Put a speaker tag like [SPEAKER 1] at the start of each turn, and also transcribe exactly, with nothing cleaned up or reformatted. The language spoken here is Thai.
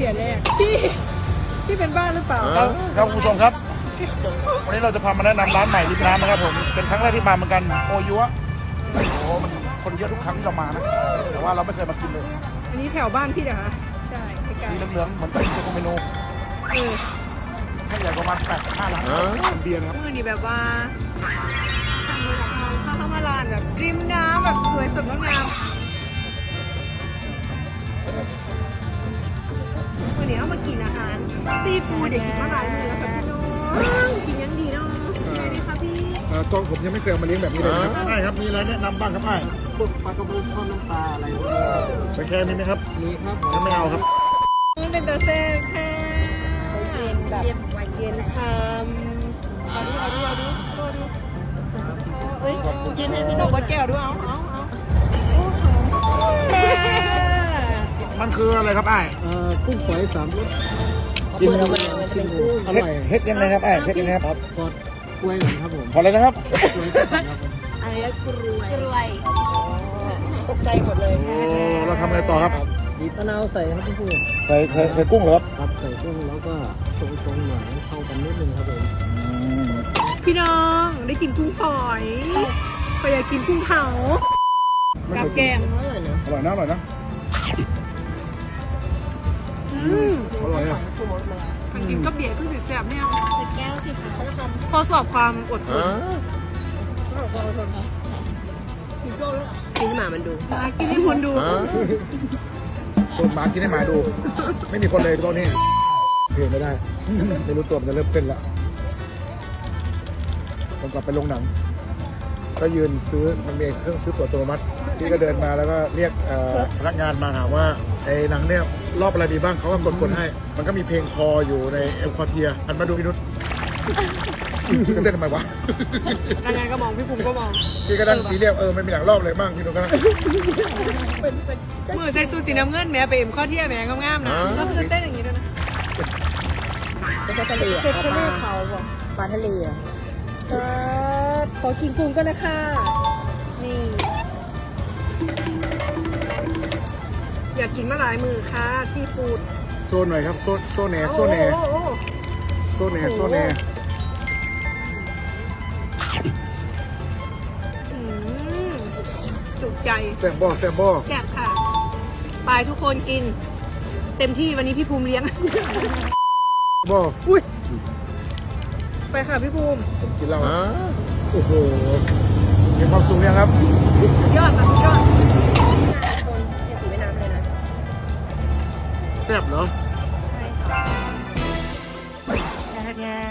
[SPEAKER 1] ชียร์แรกพี่พี่เป็นบ้าหรือเปล่า
[SPEAKER 2] ครับคุณผู้ชมครับวันนี้เราจะพามาแนะนำร้านใหม่ริมน้ำนะครับผมเป็นครั้งแรกที่มาเหมือนกันโอยัวโอ้โหมันคนเยอะทุกครั้งที่เรามานะแต่ว่าเราไม่เคยมากินเลย
[SPEAKER 1] อันนี้แถวบ้านพี่เหรอคะใช่ใกล้
[SPEAKER 2] สีเหลืองๆเหมือนเป็นเซโกเมโน
[SPEAKER 1] ๆเออ
[SPEAKER 2] ให้ใหญ่ประมาณแปดสิบห้าล้านเป็นเบียร์นะครับ
[SPEAKER 1] เมื่อนี้แบบว่าทางมือของเราเข้าเข้ามาลานแบบริมน้ำแบบสวยสดงดงามวันนี้เอามากินอาหารซีฟู้ดเดี๋ยวกินมาหลายมื้อแล้วค่ะพี่น้องกินยังดีเนาะใช่ไหมคะพี่
[SPEAKER 2] กองผมยังไม่เคยมาเลี้ยงแบบนี้เลยครับใช่ครับมีอะไรแนะนำบ้างครับไอ้
[SPEAKER 3] พวกปลากระพงทอดน้ำปลาอะไรพวกนี้
[SPEAKER 2] ใช้แค่นี้ไหมครับ
[SPEAKER 3] มีครับ
[SPEAKER 2] ถ้าไม่เอาครับ
[SPEAKER 1] มันเป็นตัวเซ่บแค่เย็นแบบเย็นชามเอาดูเอาดูเอาดูเอาดูเอ้ยยืนให้พี่น้องวัดแก้วด้วยเอาเอาเอาโอ้โห
[SPEAKER 2] มันคืออะไรครับไอ้
[SPEAKER 3] เอ่อกุ้งฝอยสามรส
[SPEAKER 2] กิน
[SPEAKER 3] อร่อยชิมดูอร่อย
[SPEAKER 2] เฮ็ดยังไงครับไอ้เฮ็ดยังไงครับ
[SPEAKER 3] ทอดกล้วยเหมือนครับผม
[SPEAKER 2] ขอเลยนะครับ
[SPEAKER 3] กล้วยทอดครับผม
[SPEAKER 1] อะไรอะกรวยกรวยตกใจหมดเลย
[SPEAKER 2] โอ้เราทำอะไรต่อครับ
[SPEAKER 3] บีบมะนาวใส่ครับพี่ผู้
[SPEAKER 2] ใส่ใส่ใส่กุ้งเหรอครับ
[SPEAKER 3] ครับใส่กุ้งแล้วก็ชงๆหน่อยให้เข้ากันนิดนึงครับผม
[SPEAKER 1] พี่น้องได้กินกุ้งฝอยไปอยากกินกุ้งเผากับแกงอร่อยเนอะ
[SPEAKER 2] อร่อยนะอร่อยนะ
[SPEAKER 1] อืม
[SPEAKER 2] อร่อยอ่ะ
[SPEAKER 1] มันกินก็เบียร์เพิ่งถึงแสบเนี่ยแก้วสิคะข้อสอบความอดทนกินหมามันดูมากินให้คนดู
[SPEAKER 2] คนหมากินให้หมาดู ไม่มีคนเลยตอนนี้เพลงไม่ได้ ไม่รู้ตัวมันจะเริ่มเต้นละผมกลับไปโรงหนัง ก็ยืนซื้อมันมีเครื่องซื้อตั๋วอัตโนมัติที่ก็เดินมาแล้วก็เรียกเอ่อพนักงานมาถามว่าไอ้หนังเนี่ยรอบอะไรดีบ้างเขาก็กดกดให้ มันก็มีเพลงคออยู่ในเอลคอเทียอันมาดูพี่นุชก็เต้นทำไมวะ
[SPEAKER 1] พนักงานก็มองพี่ภูมิก็มอง
[SPEAKER 2] พี่ก็นั่งซีเรียสเออมันมีหนังรอบอะไรบ้างพี่นุชก็นั่ง
[SPEAKER 1] มือใส่สูทสีน้ำเงินแม่ไปเอ็มข้อเที่ยแม่งามๆนะก็คือเต้นอย่างนี้ด้วยนะ
[SPEAKER 4] ไม่ใช่ทะเล
[SPEAKER 1] เสร็จ
[SPEAKER 4] อะ
[SPEAKER 1] ทะเลเขาบ่
[SPEAKER 4] ปลาทะเลอะ
[SPEAKER 1] ขอกินกุ้งกันนะคะนี่ อยากกินมาหลายมือค่ะซีฟู้ด
[SPEAKER 2] โซนหน่อยครับโซนโซนแหนโซนแหน
[SPEAKER 1] โอ้โห
[SPEAKER 2] โซนแหนโซนแหน
[SPEAKER 1] อืมจุกใจ
[SPEAKER 2] แซมบอแซมบอ
[SPEAKER 1] แซ่บค่ะไปทุกคนกิน เต็มที่วันนี้พี่ภูมิเลี้ยง
[SPEAKER 2] บอ
[SPEAKER 1] อุ้ยไปค่ะพี่ภูมิ
[SPEAKER 2] ผมกินเหล้าโอ้โหมีความสุขเนี่ยครับ
[SPEAKER 1] สุดยอดค่ะสุดยอด
[SPEAKER 4] คนอย่าถือไว้น้ำเลยนะ
[SPEAKER 2] แซ่บเหรอ
[SPEAKER 1] แท้